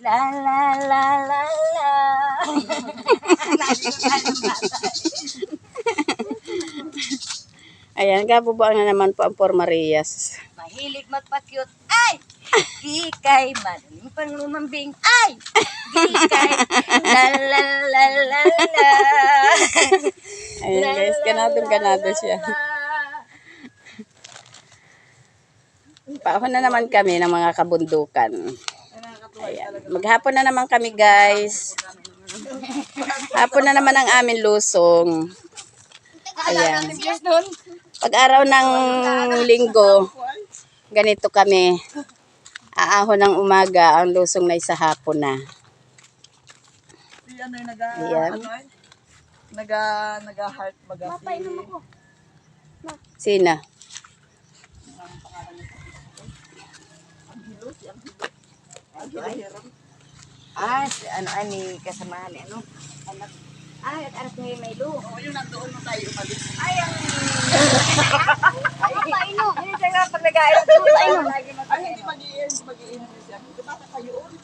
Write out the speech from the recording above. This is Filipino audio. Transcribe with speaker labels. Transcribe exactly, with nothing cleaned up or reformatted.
Speaker 1: La la la la la.
Speaker 2: Ayan, gabubuan na naman po ang Por Marias.
Speaker 1: Mahilig magpakyut. Ay! Di kay madaling pang lumambing. Ay! Di kay la la la la la.
Speaker 2: Ayan guys, ganadong ganado siya. Paahon na naman kami ng mga kabundukan. Ayan. Maghapon na naman kami guys. Hapon na naman ang amin lusong. Ayan. Pag araw ng linggo, ganito kami. Aahon ng umaga, ang lusong na isa hapon na.
Speaker 3: Ano yung naga,
Speaker 2: Ayan.
Speaker 3: ano eh? Naga, naga-heart baga si...
Speaker 2: Sina?
Speaker 1: Ah, si ano ani kasamahan ni ano? Anak. Ay, at anak ni Maylo.
Speaker 3: Oo, yung nandoon mo tayo umalis.
Speaker 1: Ay, ang Ay, tayo no. Hindi siya nga pag nag-aaral ko tayo. Lagi
Speaker 3: Ay, hindi mag-iin, mag-iin siya. Di ba kayo?